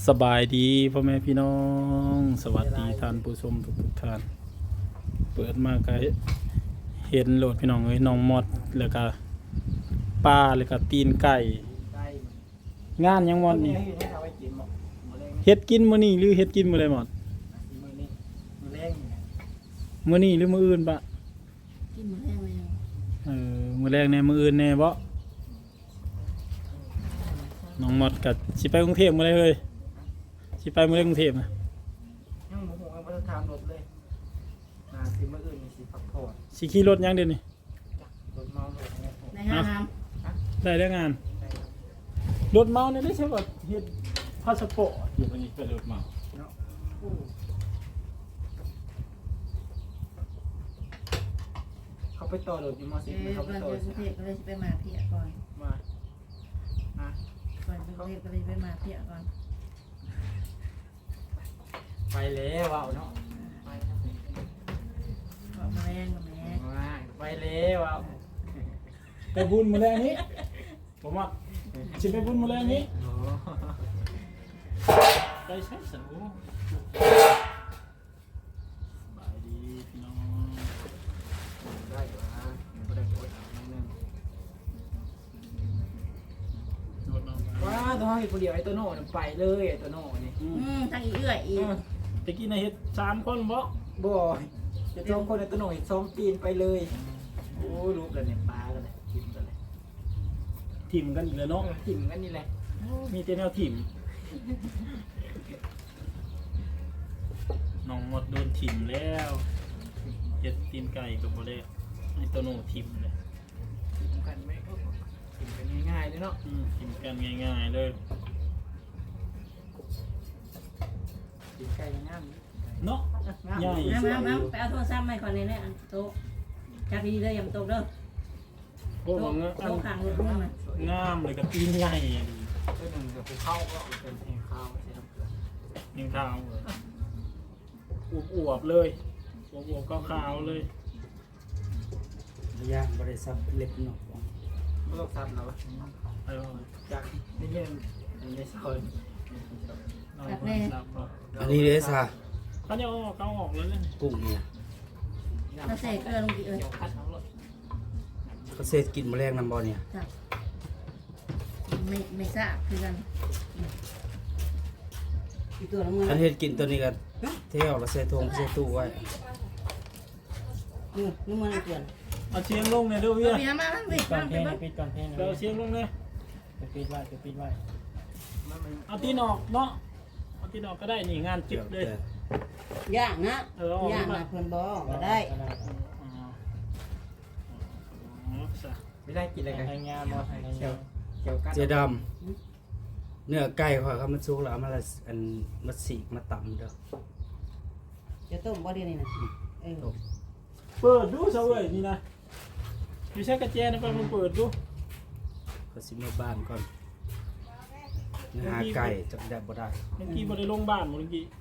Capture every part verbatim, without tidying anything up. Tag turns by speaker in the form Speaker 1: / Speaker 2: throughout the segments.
Speaker 1: สบายดีพ่อแม่พี่น้องสวัสดีท่านผู้ชมทุกทุกท่านเปิดมาก็เห็นโหลดพี่น้องเอ้ยน้องมอดแล้วก็ปลาแล้วก็ตีนไก่งานยังมอดนี่เฮ็ดกินมื้อนี้หรือเฮ็ดกินมื้อใดมอดมื้อนี้หรือมื้ออื่นปะ
Speaker 2: กินมื้อแรกเลย
Speaker 1: เออมื้อแรกแน่มื้ออื่นแน่บ่น้องมอดก็สิไปกรุงเทพมื้อใดเอ้ยสิไปมื้อใดกรุงเทพนะ
Speaker 3: ยังโมโหยังไม่ได้ทำรถเลยนาสิมาอื่นมีสิพักผ่อน
Speaker 1: สิขี่รถยังเดี๋ยวนี้
Speaker 3: รถเมารถเนี่ย
Speaker 2: ในห้างน้
Speaker 1: ได้แล้วงาน
Speaker 3: ได้ครับ
Speaker 1: รถเมาเนี่ยได้ใช่ป่ะเฮ็ดพาสปอร์ตอยู่ตรงนี้เป็นรถเมา
Speaker 3: เนาะเขาไปต่อรถอยู่มอ
Speaker 2: ำ
Speaker 3: สิ
Speaker 2: เอบ อ
Speaker 3: เขาไป
Speaker 2: ก่อน
Speaker 3: ต่อ
Speaker 2: จะกรุงเทพก็เลยจะไปมาเพียก่อน
Speaker 3: มาอ่ะ
Speaker 2: ก่อนจะกรุงเทพก็เลยจะไปมาเพียก่อน
Speaker 3: ไปแล้วเอาเนาะไปครับ
Speaker 2: บอกมาแรงกับแม่
Speaker 3: มาไปแล้วเอา
Speaker 1: ไปบุญมาแล้วนี้ผมว่าสิไปบุญมาแล้วนี้
Speaker 3: โอ้
Speaker 1: ได้ใช่สันโอ้บายดีพี่น้อง
Speaker 3: ได้อยู่นะไม่ได้กดเอานิดนึง
Speaker 1: รถเมา
Speaker 3: ว้าตัวห้องอีกคนเดียวไอ้ตัวโน่นไปเลยไอ้ตัวโน่นี่
Speaker 1: อื
Speaker 2: อื
Speaker 1: ม
Speaker 2: มทางอีเอื้อยอีก
Speaker 1: ตะกี้น่ะเฮ็ดสามคนบ่
Speaker 3: บ่อยจะสองคนไอ้ตัวโน่อีกสองปีนไปเลยโอ้รูปเลยเนี่ยปลากันเลยกินกันเลย
Speaker 1: ทีมกันอีกแล้วเนาะ
Speaker 3: ถิ่มกันนี่แหละ
Speaker 1: มีแต่แนวทีมน้องหมดโดนทีมแล้วเฮ็ดตีนไก่ก็บ่ได้ให้ตัวโน่ทีมเลย
Speaker 3: ถิ่มกันไหมก็ถิ่มกันง่ายๆเลยเนาะ
Speaker 1: อืมทีมกันง่ายๆเลย
Speaker 3: ถิ่มไก่ง่าย
Speaker 1: เนาะ
Speaker 3: ๆง่าย
Speaker 1: ใหญ่
Speaker 2: น้ำน้ำน้ำไปเอาโทรศัพท์มาก่อนเลยเนี่ยอันโต๊ะจับดีๆเลยอย่ามาตกเด้อ
Speaker 1: โอ้
Speaker 2: โต๊ะ
Speaker 1: โหงา
Speaker 2: โต๊ะข้างรถนู่นน่ะ
Speaker 1: งามเลยกับตีนใหญ่
Speaker 3: ตัวหนึ่งกับภูเขาก็เป็นแห่งข้าวใช่ไหม
Speaker 1: ยังขาวอวบอวบๆเลยอวบอวบก็ขาวๆเลย
Speaker 4: ระยะบริษัทเล็กเนาะ
Speaker 3: ไม่ต้องซับแล้ว
Speaker 1: ไปเอาเลย
Speaker 3: จากนี่เงี้ยในซอย
Speaker 1: เอาเลยครับเนาะ
Speaker 4: อันนี้เลยซะ
Speaker 1: เขาจะเอาออกเขาออกแล้วเนี่ย
Speaker 4: กุ้งเนี่ย
Speaker 2: แล้วใส่เกลือลงอีกเอ้ย
Speaker 3: เกี่ยวคัดทั้งรถ
Speaker 4: เกษตรกินแมลงน้ำบอเนี่ย
Speaker 2: จับไม่ไม่ทราบคือกันอีกตัวละเงิน
Speaker 4: อันเฮ็ดกินตัวนี้กันเที่ยวแล้วใส่ทงใส่ตู้ไว้
Speaker 2: นี่นี่มันเกลือ
Speaker 1: เอาเชียงลงเนี่ยเด้วย
Speaker 2: เอา
Speaker 1: เวีย
Speaker 2: เบียร์มาบ้างสิ
Speaker 5: ก่อ
Speaker 2: มาน
Speaker 5: เพ
Speaker 2: ไป
Speaker 5: ลง
Speaker 2: บ้าง
Speaker 5: ปิดก่อนเพลง
Speaker 1: เดี๋ยวเอาเชียงลงเนี่ย
Speaker 5: ไปปิดไว้ไปปิดไว้
Speaker 3: มันมัน
Speaker 1: เอาตีนออกเนาะเอาตีนออกก็ได้นี่งานจึกเลย
Speaker 2: ย่างนะ
Speaker 1: เออเอาออก
Speaker 2: ย่าง
Speaker 1: มา
Speaker 2: นะเพิ่นบอกก็ได้
Speaker 1: อ๋ออ๋อซะ
Speaker 3: ไม่ได้กินอะไรกัน
Speaker 5: ทางงานบ่ทาง
Speaker 3: เกี่ย
Speaker 5: งาว น
Speaker 3: เกี่ยวกัน
Speaker 4: เจดำเนื้อไก่เขาเขามันสุกแล้วเอามาละอันมาสีกมาตำเด้อ
Speaker 2: จะต้มบ่เดียวนี่นะเออ
Speaker 1: เปิดดูเสาเอ้ยนี่นะอยู่ใช้กระเจนะไปมันเปิดดู
Speaker 4: เขาสิมาบ้านก่อนเนื้อหาไก่จับได้บ่ได้
Speaker 1: เมื่อกี้บ่ได้ลงบ้านเมื่อกี้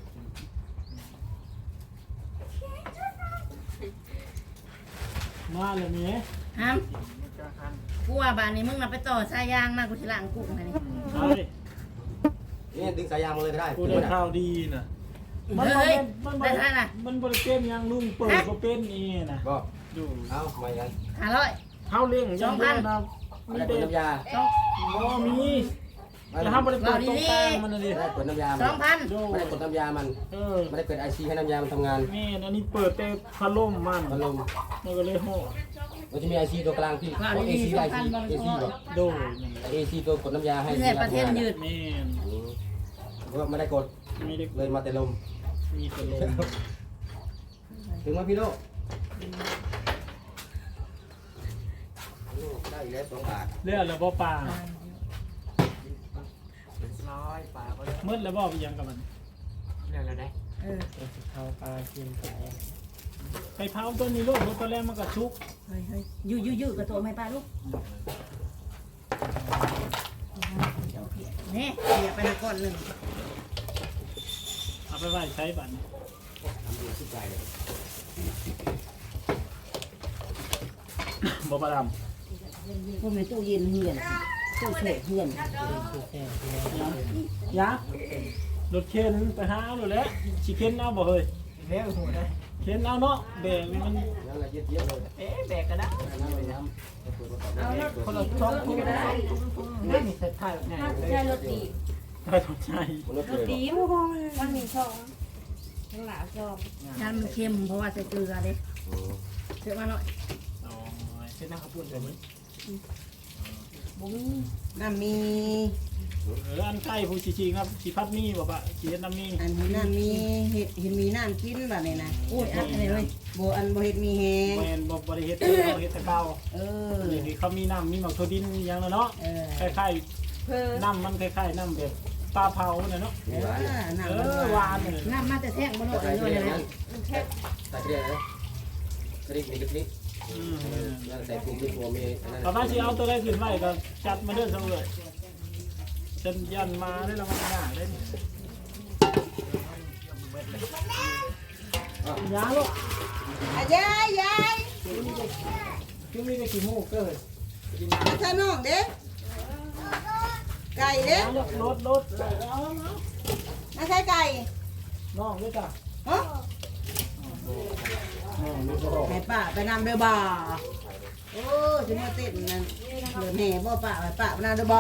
Speaker 1: มาเลยนี่
Speaker 2: ห้าม
Speaker 3: มันจะคัน
Speaker 2: กูว่าบ้านนี้มึงน่ะไปต่อสายยางมากูสิล้างกุ้งให้นี่
Speaker 1: เอาดิ
Speaker 6: นี่ดึงสายยางมาเลยก็ได้
Speaker 1: กูได้ข่าวดีนะมัน
Speaker 2: เฮ้ย
Speaker 1: มัน
Speaker 2: ได้เท่าไหร่น่ะ
Speaker 1: มันบริเป็นยังลุงเปิดก็เป็นนี่นะ
Speaker 6: บอก
Speaker 1: ดู
Speaker 6: เอาไม่กัน
Speaker 2: ห้าร้อย
Speaker 1: เขาเลี้ยงยังได้นะ
Speaker 6: ไม่
Speaker 1: มี
Speaker 6: ได้ก
Speaker 1: เด็
Speaker 6: ด
Speaker 1: ก
Speaker 6: น้ำยา
Speaker 1: บ่มีแต่ถ้าบริเปิดตรงกลางมันน่ะดิ
Speaker 6: ไม่ได้กดน้ำยา
Speaker 2: ส
Speaker 6: มั
Speaker 2: อน งพัน
Speaker 1: ดู
Speaker 6: ไม่ได้กดน้ำยามัน
Speaker 1: เออ
Speaker 6: ไม่ได้เปิดไอซีให้น้ำยามันทำงาน
Speaker 1: นี่อันนี้เปิดแต่พัดลมมัน
Speaker 6: พัดลม
Speaker 1: มันก็เลยห่อ
Speaker 6: มันจะมีไอซีตัวกลางพี่เพราะเอซีไอซีเอซีบอก
Speaker 1: ดู
Speaker 6: เอซีตัวกดน้ำยาให้
Speaker 2: เพื่อประเทศยืด
Speaker 1: แม่น
Speaker 6: เพราะไม่ได้กด
Speaker 1: ไม่ได้
Speaker 6: เลยมาแต่ลม
Speaker 1: มีพัดลม
Speaker 6: ถึงไหมพี่โลได้อีกแล้วสองบาท
Speaker 1: เลือดแล้วบ่ปลา
Speaker 3: ร้อยป่าก็เลย
Speaker 1: มืดแล้วบ่ไปยังกับมัน
Speaker 3: เรื่องอะไรได้
Speaker 2: เออ
Speaker 5: ไปสิเข้าปลากินไก่
Speaker 1: ไปเผาตัวนี้ลูกเพราะตอนแรกมันก็ชุก
Speaker 2: เฮ้ยเฮ้ยยืดยืดยืดกับตัวไม่ป้าลูกนี่เสียไปละก้อนหนึ่ง
Speaker 1: เอาไปไว้ใช้บัตร
Speaker 6: ทำดูสุดใจเลย
Speaker 1: บ่ประด
Speaker 2: พวกในตู้เย็นเหือนตู้เสกเหือน
Speaker 5: คือแค่ที่
Speaker 1: ำยักษ์รถเข็นไปหาเอาเลยแหละสิเข็นเอาบ่เฮ้ย
Speaker 3: แล้วหัวได้
Speaker 1: เข็นเอาเนาะแบกมัน
Speaker 6: นั่นแหละเย็ดๆเลย
Speaker 3: เอ๊ะแบกก็ได้
Speaker 6: น้ำไปน้ำเปิดประกอบ
Speaker 2: เอารถ
Speaker 3: คนละสองทุ่มได้นี่นี่จะถ่ายแบบไหน
Speaker 2: ถ้า
Speaker 3: เลย
Speaker 2: ใช่รถตี
Speaker 1: ไม่สนใจ
Speaker 6: รถ
Speaker 2: รถ
Speaker 6: เลย
Speaker 2: ตีมันมีช่องข้างหลังช่องน้ำมันเค็มเพราะว่าใส่เกลือเด้เยอะมาหน่อย
Speaker 1: อ๋อ
Speaker 3: เส้นน้ำข้าวปุ้นแบบนี้
Speaker 2: บุ้ง
Speaker 7: น้ำมี
Speaker 1: เอออันใกล้ผู้ชิๆครับสิพัดมีบ่ปะสิเฮ็ดน้ำมี
Speaker 7: อันเห็นน้ำมีเห็ดเห็นมีน้ำกินแบบนี้นะ
Speaker 2: โอ้ยอัดอะไรเลย
Speaker 7: โบอันโบเห็ดมีแฮง
Speaker 1: แม่นบ่บ่ได้เฮ็ดเองเขาเฮ็ดแต่เก่า
Speaker 7: เออ
Speaker 1: นี่คือเขามีน้ำมีหมักถั่วดินอหยังแล้วเนาะ
Speaker 7: เออ
Speaker 1: คล้าย
Speaker 2: เพื่อ
Speaker 1: ๆน้ำมันคล้ายๆน้ำแบบปลาเผาเนี่ยเนาะ
Speaker 7: เออ
Speaker 1: เอ
Speaker 7: น้ำมัน
Speaker 1: อห
Speaker 7: หวาว
Speaker 1: าน นเลย
Speaker 2: น้ำมาแต่แท่งบนโลกเลยเลยนะ
Speaker 6: ใส่เกลียวนะกระดิ่งมีกระดิ่ง
Speaker 1: อืม
Speaker 6: นั่นใส่ปูมีตัวมีนั่น
Speaker 1: ตอนนั้นสิเอาตัวได้ขึ้นไว้ก็จัดมาเด้อเสมอจนยันมาได้แล้วมันยากเลยนี่ยาลูก
Speaker 7: อ่ะยายยาย
Speaker 1: คือมีได้กี่หมูกเกิด
Speaker 7: มาท่าน้องเด้ไก่เด้
Speaker 1: ยาลูกรถรถเอาเอา
Speaker 7: มาใช่ไก่
Speaker 1: น้องด้วยจ้ะ
Speaker 7: ฮะให้ป้าไปนำเด้อบ่โอ้จะมาเต้นนั่นเหลือแห่บ่ป้าไปป้าไปนำเด้อบ่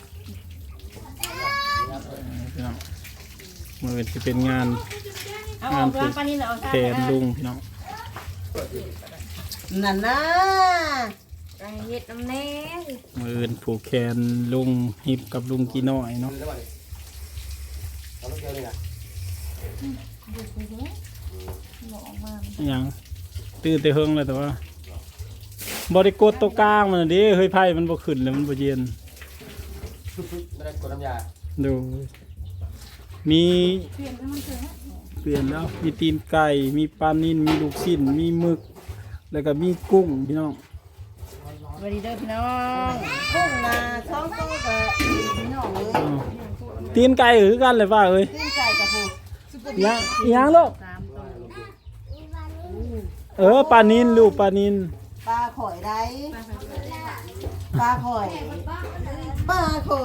Speaker 1: พี่น้องมือที่เป็นงาน
Speaker 2: เอาออกล้างปลานี่เหรอ
Speaker 1: แทนลุงพี่น้อง
Speaker 7: นั่นนะ
Speaker 2: ไก่เห็ดน้ำแน่
Speaker 1: มือผูกแขนลุงฮิปกับลุงกีน้อยเนาะ
Speaker 6: แล้วนี่เอารถเกลียวนี่นะ
Speaker 1: อิหยังตื่นแต่เฮิงเลยแต่ว่าบริกดตัวกลางมันน่ะเดิเฮ้ยไพ่มันบ่ขึ้นเลยมันบ่เย็น
Speaker 6: ไม่ได้กดน้ำยา
Speaker 1: ดูมีเปลี่ยนแล้วมีตีนไก่มีปลานิ่นมีลูกชิ้นมีหมึกแล้วก็มีกุ้งพี่น้อง
Speaker 2: สวัสดีเด้อพี่น้อง
Speaker 7: กุ้งนะช่องโตกับพี่น้องเลย
Speaker 1: อ้าวตีนไก่คือกันเลยว่าเอ้ย
Speaker 7: ตีนไก่กับผู้
Speaker 1: อิหยังอิหยังลูก
Speaker 2: สามตัว
Speaker 1: เออปลานินลูกปลานิน
Speaker 7: ปลาข่อยได้ปลาข่อยปลาข่อย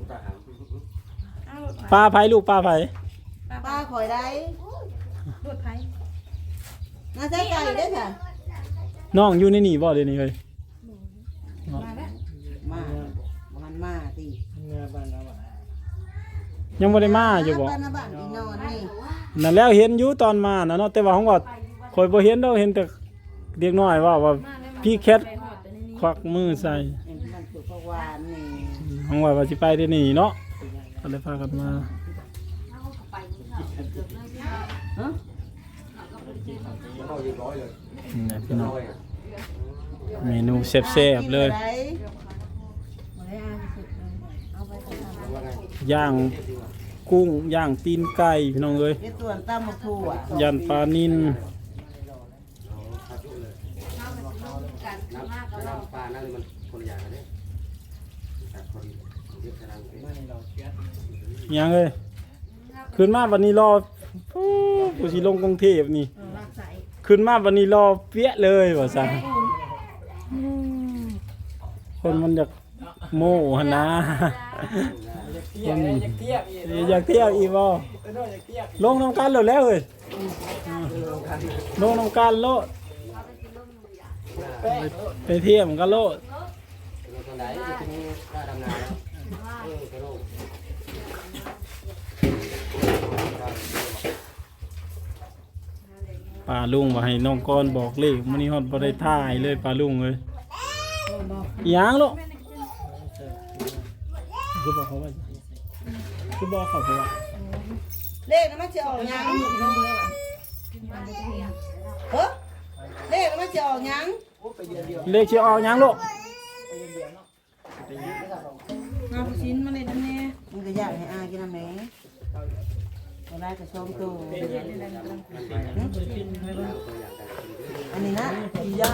Speaker 1: ปลาไผ่ลูกปลาไผ่
Speaker 7: ปลาข่อยได้
Speaker 2: รถไผ่
Speaker 7: น่าใช่ไก่ได้อค่ะ
Speaker 1: น้องอยู่ในนี่บ่เดี๋ยวนี้เฮ้ย
Speaker 2: มาแล้ว
Speaker 7: มามันมาตี
Speaker 5: เนื้อบ้านเราอ่ะ
Speaker 1: ยังบ่ได้มาอยู่บ่
Speaker 7: บ้านนะบ้านอีนอนนี่
Speaker 1: นั่นแล้วเห็นอยู่ตอนมานะเนาะแต่ว่าของว่าคอยบ่เห็นดอกเห็นแต่เด็กน้อยว่าว่าพี่แคทควักมือใส่
Speaker 7: เห็นมันสุกวานนี่
Speaker 1: ของว่าว่าสิไปได้นี่เนาะก็เลยพากันมา
Speaker 7: ฮะ
Speaker 6: เข้าเรียบร้อยเลย
Speaker 1: นี่นะพี่น้อง
Speaker 6: ร้อย
Speaker 1: เมนูแซ่บๆเลย
Speaker 7: ได้
Speaker 2: มาได้อาสุดเลยเอาไปทำ
Speaker 6: ว่าไง
Speaker 1: ย่างกุ้งย่างตีนไก่พี่น้องเอ้ย
Speaker 7: เฮ็ดส่วนตำมะทั่ว
Speaker 1: ยันปลานิน
Speaker 6: น้ำน้ำปลานั่นมันคนละอย่างกันเนี่ยแต่คนเยอะขนาดนี้
Speaker 5: ไม่เราเชื่อ
Speaker 1: หยังเอ้ยขึ้นมาวันนี้รอปู้กูสิลงกรุงเทพนี่
Speaker 2: ลากใส่
Speaker 1: ขึ้นมาวันนี้รอเปี้ยเลยว่าซั่นคนมันอยากโม่หั่นนะ
Speaker 3: เทียบเลยอยากเทียบอีก
Speaker 1: อยากเที่ยวอีกบ่
Speaker 3: เอออยากเทียบ
Speaker 1: ลงน้ำกันแล้วแล้วเอ้ยลงน้ำกันโลด
Speaker 3: แป้ง
Speaker 1: ไปเที่ยวกันโลด
Speaker 6: ตอนไหนจะถึงหน้าดำนาแล้วเออกระโดด
Speaker 1: ป้าลุงว่าให้น้องก้อนบอกเลขมื้อนี้ฮอดบ่ได้ท่ายเลยป้าลุงเอ้ยอิหยังลูกคือบอกเขาว่าคือบอกเขาว่า
Speaker 7: เลขนั้นมันจะออกหยังเฮ้อเลขนั้นมันจะออกหยัง
Speaker 1: เลขสิออกหยังลูก
Speaker 2: เอาชิ้นมาเลยนะแม่
Speaker 7: มันก็อยากให้อากินน้ำแหน่เวลาจะชมตัวอันนี้นะอียาก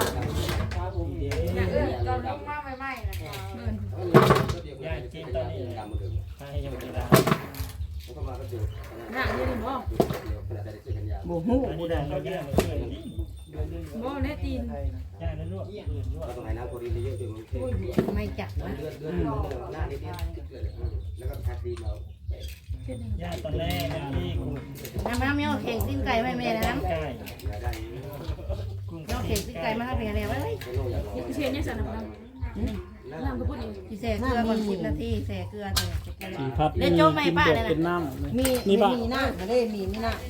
Speaker 5: ย่างกินตอนนี้เลยให้ยังไม่ได้
Speaker 2: หนักเลยบ่
Speaker 7: บ่ฮู้
Speaker 5: อันนี้
Speaker 7: บ่ได้
Speaker 5: เราย่างเพื่อนนี่
Speaker 2: บ่แน่ตีน
Speaker 5: ย่างแล้วลวกอื่นลวก
Speaker 6: เราต้องให้น้ำโคลีนเยอะๆจนมันเค็ม
Speaker 2: ไม่จับนะ
Speaker 6: เลือดเลือดหน้านิดๆแล้วก็แพ็คดีเรา
Speaker 5: ย่าตอนแรกที่กุ้ง
Speaker 2: น้ำน้ำเนี่ยเอาเข่งตีนไก่ไม่แม่นะน้ำ
Speaker 5: ไก่
Speaker 6: อย่าได้
Speaker 2: เอาเข่งตีนไก่มาให้เป็นอะไรวะเฮ้ย
Speaker 6: ไม่ต้องอย่าลอง
Speaker 8: เชียร์เนี่ยสารน้ำน้ำก็พูดเอง
Speaker 2: พี่แส่เกลือก่อนสิบนาทีแส่เกลือแต่เกลือ
Speaker 1: สีพัด
Speaker 2: เล่นโจ้ไม่ป้าเลย
Speaker 1: เป็น
Speaker 2: นะ
Speaker 1: น้ำ
Speaker 7: มี
Speaker 1: นี่ป่ะ
Speaker 7: มีหน้ามาได้มีมีหน้า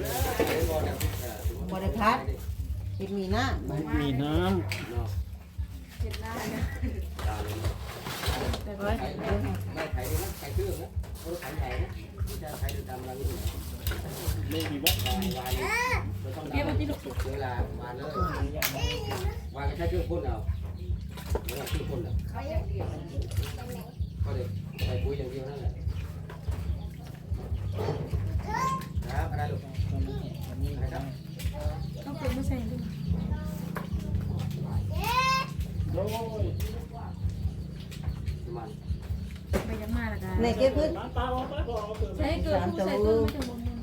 Speaker 7: บริพัตรเป็นมีหน้า
Speaker 1: มีน้
Speaker 2: เฮ้ย
Speaker 6: ไม่ไถเลยนะไถเครื่องนะเขาไถไถนะไม่ใช่ไถตามเราอยู่นะ
Speaker 5: ไม่มีบ่
Speaker 6: วางวางเราต้องดำเวลาวางเลยวางก็ใช้เครื่องพ่นเอาเวลาเครื่องพ่นอ่ะก็เลยใส่ปุ๋ยอย่างเดียวนั่นแหละครับอะไรลูกครับ
Speaker 8: ต้องเป็นไม่ใช่ด้วย
Speaker 6: มัน
Speaker 8: ไปยังมาละกัน
Speaker 7: ในเก็บขึ้น
Speaker 8: ใช้เกิดผู้ใส่เกิดไม่ถึงบนมือ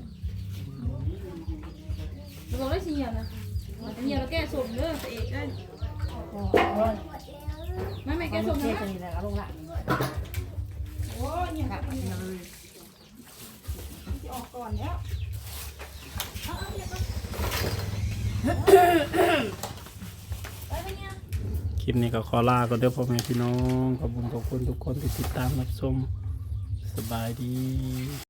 Speaker 8: เราบอกได้สิเหี่ยวนะเหี่ยวเราแก้สมเด้อเอกได้ไม่ไม่แก้สม
Speaker 2: เท
Speaker 8: นะ
Speaker 2: ตัวนี้แหละเอาลงละ
Speaker 8: โอ้ยเนี่ยออกก่อนแล้ว
Speaker 1: ำคลิปนี้ก็ขอลาก็เด้อพ่อแม่พี่น้องขอบคุณขอบคุณทุกคนที่ติดตามรับชมสบายดี